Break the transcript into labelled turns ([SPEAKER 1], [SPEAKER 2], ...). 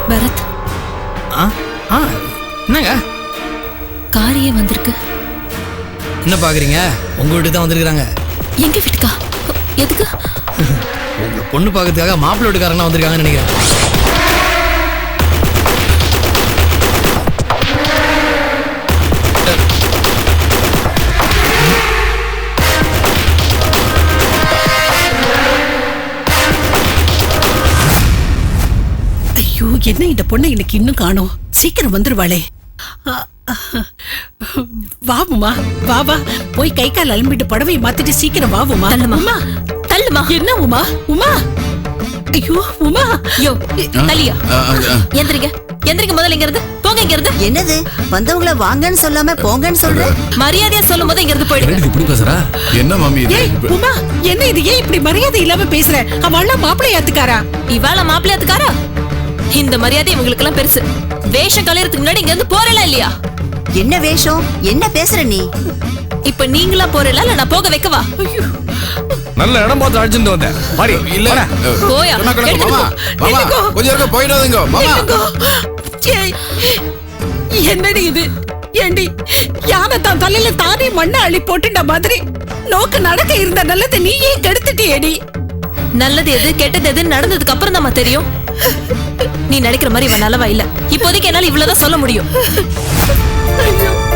[SPEAKER 1] பரத்,
[SPEAKER 2] என்னங்க
[SPEAKER 1] காரியே வந்திருக்கு.
[SPEAKER 2] என்ன பாக்குறீங்க? உங்க வீட்டுக்கு தான் வந்திருக்காங்க.
[SPEAKER 1] எங்க வீட்டுக்கா? எதுக்கு?
[SPEAKER 2] உங்க பொண்ணு பார்க்கறதுக்காக மாப்பிள்ளை வீட்டுக்காரங்க வந்திருக்காங்கன்னு நினைக்கிறேன்.
[SPEAKER 3] ஐயோ, என்ன இந்த பொண்ணை இன்னைக்கு இன்னும் காணோம்? சீக்கிரம் வந்துருவாளே. வாவுமா, வா போய் கை கால் அலம்பிட்டு புடவையை மாத்திட்டு சீக்கிரம் வாவுமா.
[SPEAKER 1] தள்ளுமா, தள்ளுமா.
[SPEAKER 3] என்ன உமா? உமா, ஐயோ உமா.
[SPEAKER 1] யோ, தள்ளியா? எந்திரிங்க, எந்திரிங்க முதல்ல. இங்க இருந்து போங்க. இங்க இருந்து
[SPEAKER 4] என்னது? வந்தவங்கள வாங்கன்னு சொல்லாம போங்கன்னு சொல்ற?
[SPEAKER 1] மரியாதையா சொல்லும் போது இங்க இருந்து போயிடுங்க.
[SPEAKER 2] இப்படி பேசுறா?
[SPEAKER 5] என்ன மாமி இது?
[SPEAKER 3] ஏய் உமா, என்ன இது? ஏன் இப்படி மரியாதை இல்லாம பேசுற? அவள மாப்பிள்ளையாத்துக்காரா?
[SPEAKER 1] இவாள மாப்பிள்ளையாத்துக்காரா? இந்த மரியாதை இவங்களுக்கு எல்லாம் பெருசு. வேஷம் கலையறதுக்கு முன்னாடி இங்க இருந்து போறல இல்லையா?
[SPEAKER 4] என்ன வேஷம்? என்ன பேசுற நீ?
[SPEAKER 1] இப்ப நீங்களா போறல இல்ல நான் போக வைக்கவா?
[SPEAKER 6] நல்ல இடம் பார்த்து அழைச்சிட்டு வந்தேன். மாடி
[SPEAKER 5] இல்ல.
[SPEAKER 1] போயா.
[SPEAKER 5] மாமா, மாமா, கொஞ்சம் இருக்க போயிடாதீங்க மாமா.
[SPEAKER 3] ஏய், என்னடி இது? ஏண்டி யானை தான் தலையில தானே மண்ணை அள்ளி போட்டுட்ட மாதிரி நோக்கு நடக்க இருந்த நல்லதை நீ ஏன் கெடுத்துட்டியேடி?
[SPEAKER 1] நல்லது எது கெட்டது எது நடந்ததுக்கு அப்புறம் தான் தெரியும். நீ நினைக்கிற மாதிரி இவன் நல்லவா இல்ல. இப்போதைக்கு என்னால இவ்வளவுதான் சொல்ல முடியும்.
[SPEAKER 3] ஐயோ.